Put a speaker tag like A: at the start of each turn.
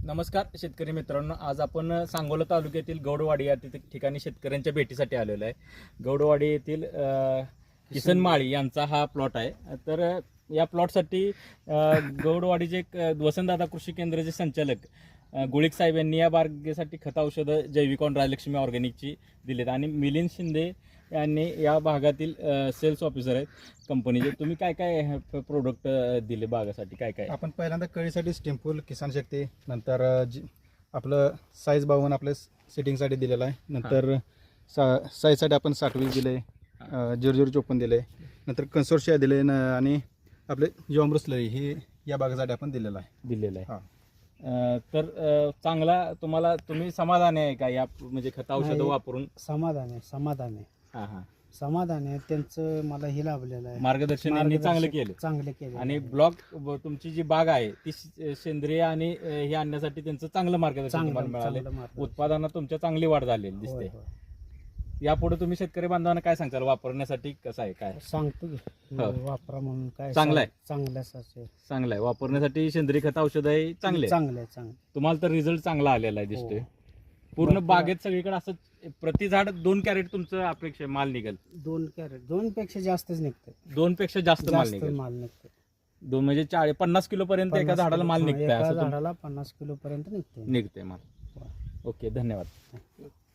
A: नमस्कार शेतकरी मित्रांनो, आज आपण सांगोला तालुक्यातील गौडवाडी या ठिकाणी शेतकऱ्यांच्या भेटीसाठी आलेलो आहे. गौडवाडी येथील किसन माळी यांचा हा प्लॉट आहे. तर या प्लॉटसाठी गौडवाडीचे वसंतदादा कृषी केंद्राचे संचालक गुळिक साहेब यांनी या बागेसाठी खत औषधं जैविकॉन राजलक्ष्मी ऑर्गॅनिकची दिलेत आणि मिलिंद शिंदे यांनी या भागातील सेल्स ऑफिसर आहेत कंपनीचे. तुम्ही काय काय प्रोडक्ट दिले बागासाठी? काय काय?
B: आपण पहिल्यांदा कळीसाठी स्टिम्पूल किसान शक्ती, नंतर आपलं साईज 52 आपल्या सेटिंगसाठी दिलेलं आहे. नंतर साईजसाठी आपण 60 दिले, 0054 दिले, नंतर कन्सोर्शिया दिले आणि आपले जीवामृतस्लरी ही या बागेसाठी आपण दिलेलं
A: आहे.
B: हां.
A: तर चांगला तुम्ही समाधान आहे का या म्हणजे खत औषधं वापरून?
C: समाधान आहे.
A: हां हां.
C: समाधान आहे त्यांचं. मला हे लाभलेलं आहे,
A: मार्गदर्शन यांनी चांगलं केलं आणि ब्लॉक तुमची जी बाग आहे ती सेंद्रिय आणि हे आणण्यासाठी त्यांचं चांगलं मार्गदर्शन तुम्हाला मिळालं. उत्पादनात तुमच्या चांगली वाढ झालेली दिसते. यापुढे तुम्ही शेतकरी बांधवांना काय सांगताल? वापरण्यासाठी कसं आहे? काय
C: सांगतो की वापरा म्हणून. काय
A: चांगलं आहे?
C: चांगलं आहे.
A: वापरण्यासाठी सेंद्रिय खत औषध आहे. चांगले तुम्हाला तर रिझल्ट चांगला आलेला आहे दिसतोय. पूर्ण बागेत सगळीकडे असं प्रति झाड 2 कॅरेट तुमचं अपेक्षा माल निघेल?
C: 2 कॅरेट, 2 पेक्षा जास्तच निघतं.
A: 2 पेक्षा जास्त माल निघेल. 2 म्हणजे 50 किलो पर्यंत एका झाडाला माल निघतंय?
C: एका झाडाला 50 किलो पर्यंत निघते
A: माल. ओके, धन्यवाद.